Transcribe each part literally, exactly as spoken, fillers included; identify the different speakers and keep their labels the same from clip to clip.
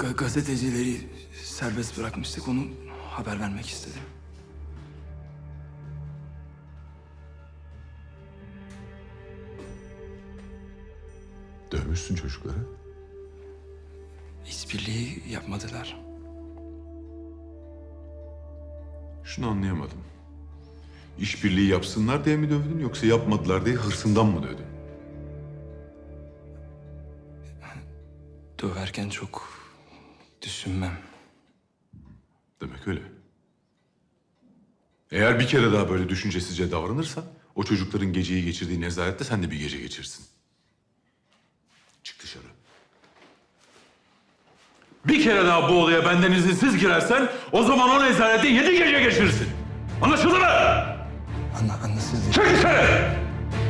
Speaker 1: Ga- gazetecileri serbest bırakmıştık. Onu haber vermek istedim.
Speaker 2: Dövmüşsün çocukları.
Speaker 1: İşbirliği yapmadılar.
Speaker 2: Şunu anlayamadım. İşbirliği yapsınlar diye mi dövdün yoksa yapmadılar diye hırsından mı dövdün?
Speaker 1: Döverken çok düşünmem.
Speaker 2: Demek öyle. Eğer bir kere daha böyle düşüncesizce davranırsan o çocukların geceyi geçirdiği nezarette sen de bir gece geçirsin. Çık dışarı. Bir kere daha bu olaya benden izinsiz girersen o zaman o nezarette yedi gece geçirirsin. Anlaşıldı mı?
Speaker 1: Anla, anlasız
Speaker 2: Çık dışarı!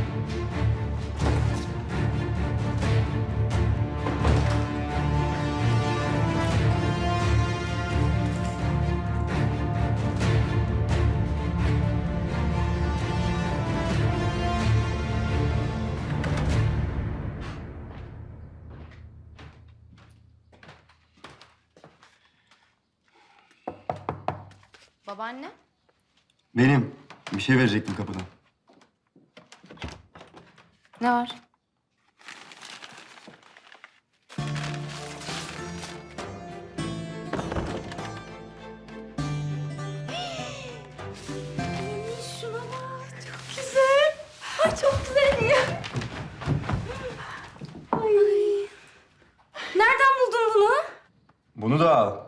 Speaker 3: Babaanne?
Speaker 4: Benim. Bir şey verecektim kapıdan.
Speaker 3: Ne var? Şuna bak, çok güzel. Ay çok güzel ya. Ay. Nereden buldun bunu?
Speaker 4: Bunu da al.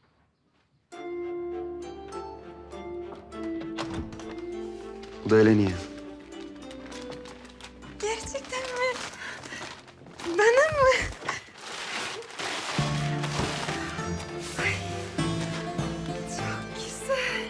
Speaker 4: Bu da Eleni'ye.
Speaker 3: Gerçekten mi? Bana mı? Ay, çok güzel.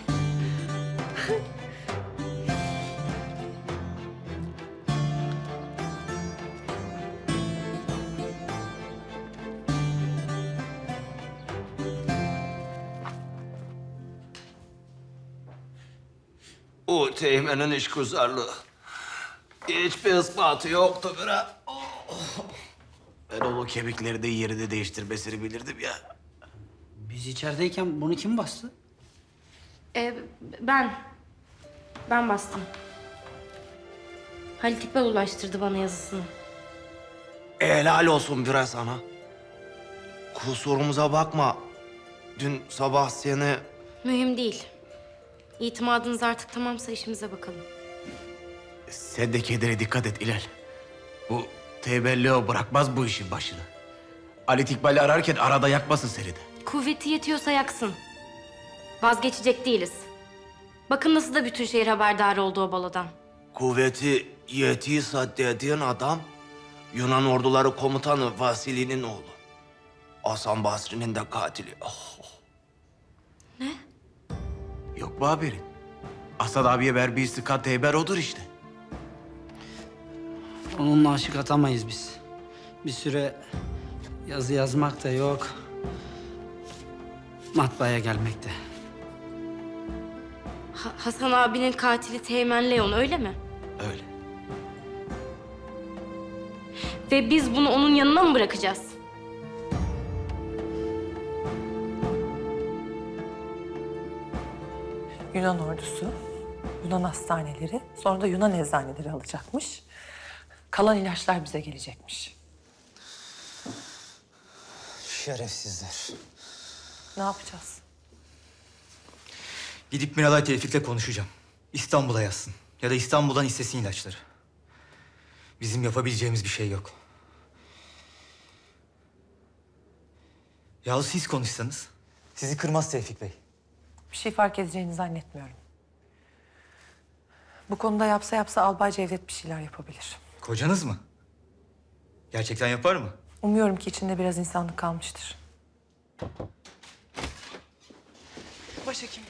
Speaker 5: O teğmenin işgüzarlığı. Hiçbir ispatı yoktu bre. Oh. Ben o kemikleri de yerini değiştirmesini bilirdim ya.
Speaker 6: Biz içerideyken bunu kim bastı?
Speaker 3: Ee, ben. Ben bastım. Halit İkbal ulaştırdı bana yazısını.
Speaker 5: Helal olsun bre sana. Kusurumuza bakma. Dün sabah seni...
Speaker 3: Mühim değil. İtimadınız artık tamamsa işimize bakalım.
Speaker 5: Sen de kendine dikkat et İlal. Bu tebelli bırakmaz bu işin başını. Ali İkbal'i ararken arada yakmasın seni de.
Speaker 3: Kuvveti yetiyorsa yaksın. Vazgeçecek değiliz. Bakın nasıl da bütün şehir haberdar oldu o balodan.
Speaker 5: Kuvveti yetiyorsa dediğin adam... Yunan orduları komutanı Vasili'nin oğlu. Hasan Basri'nin de katili. Oh.
Speaker 3: Ne?
Speaker 5: Yok mu haberin? Asad abiye verdiği sıkat haber odur işte.
Speaker 6: Onunla aşık atamayız biz. Bir süre yazı yazmak da yok. Matbaaya gelmek de.
Speaker 3: Ha- Hasan abinin katili Teğmen Leon öyle mi?
Speaker 5: Öyle.
Speaker 3: Ve biz bunu onun yanına mı bırakacağız?
Speaker 7: Yunan ordusu, Yunan hastaneleri, sonra da Yunan eczaneleri alacakmış. Kalan ilaçlar bize gelecekmiş.
Speaker 8: Şerefsizler.
Speaker 7: Ne yapacağız?
Speaker 8: Gidip Miralay Tevfik'le konuşacağım. İstanbul'a yazsın. Ya da İstanbul'dan istesin ilaçları. Bizim yapabileceğimiz bir şey yok. Yahu siz konuşsanız. Sizi kırmaz Tevfik Bey.
Speaker 7: Bir şey fark edeceğini zannetmiyorum. Bu konuda yapsa yapsa Albay Cevdet bir şeyler yapabilir.
Speaker 8: Kocanız mı? Gerçekten yapar mı?
Speaker 7: Umuyorum ki içinde biraz insanlık kalmıştır. Başhekim.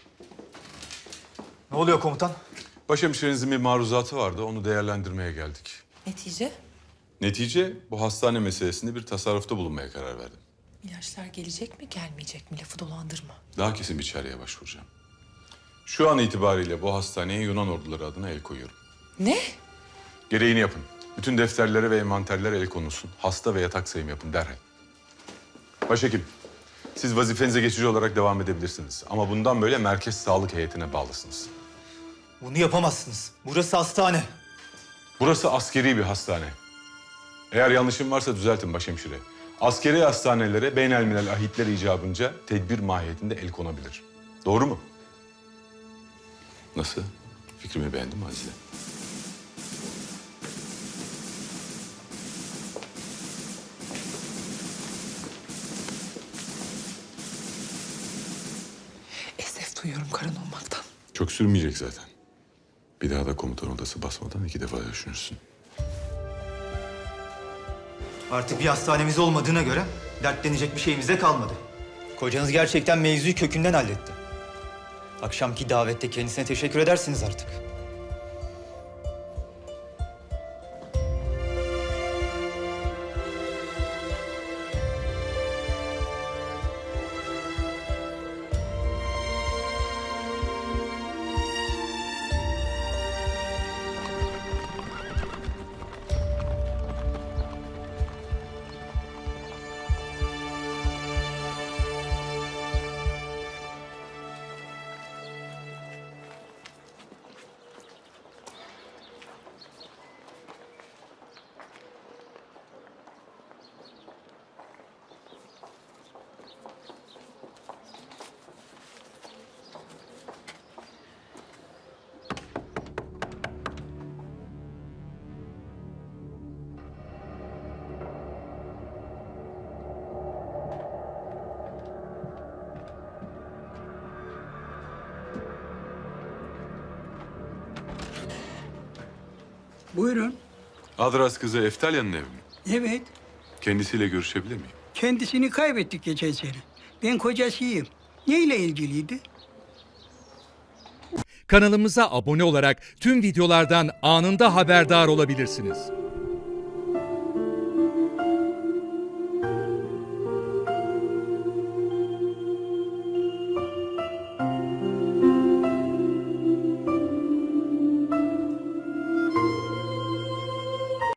Speaker 8: Ne oluyor komutan?
Speaker 2: Başhemşirenizin bir maruzatı vardı. Onu değerlendirmeye geldik.
Speaker 7: Netice?
Speaker 2: Netice bu hastane meselesinde bir tasarrufta bulunmaya karar verdim.
Speaker 7: İlaçlar gelecek mi, gelmeyecek mi? Lafı dolandırma.
Speaker 2: Daha kesin bir çareye başvuracağım. Şu an itibariyle bu hastaneye Yunan orduları adına el koyuyorum.
Speaker 7: Ne?
Speaker 2: Gereğini yapın. Bütün defterlere ve envanterlere el konulsun. Hasta ve yatak sayım yapın derhal. Başhekim, Siz vazifenize geçici olarak devam edebilirsiniz. Ama bundan böyle merkez sağlık heyetine bağlısınız.
Speaker 8: Bunu yapamazsınız. Burası hastane.
Speaker 2: Burası askeri bir hastane. Eğer yanlışım varsa düzeltin başhemşire. Askeri hastanelere beynelmilel ahitler icabınca tedbir mahiyetinde el konabilir. Doğru mu? Nasıl? Fikrimi beğendin mi Azize?
Speaker 7: Esef duyuyorum karın olmaktan.
Speaker 2: Çok sürmeyecek zaten. Bir daha da komutan odası basmadan iki defa düşünürsün.
Speaker 8: Artık bir hastanemiz olmadığına göre dertlenecek bir şeyimiz de kalmadı. Kocanız gerçekten mevzuyu kökünden halletti. Akşamki davette kendisine teşekkür edersiniz artık.
Speaker 9: Buyurun.
Speaker 2: Adras kızı Eftalya'nın evi mi?
Speaker 9: Evet.
Speaker 2: Kendisiyle görüşebilir miyim?
Speaker 9: Kendisini kaybettik geçen sene. Ben kocasıyım. Neyle ilgiliydi?
Speaker 10: Kanalımıza abone olarak tüm videolardan anında haberdar olabilirsiniz.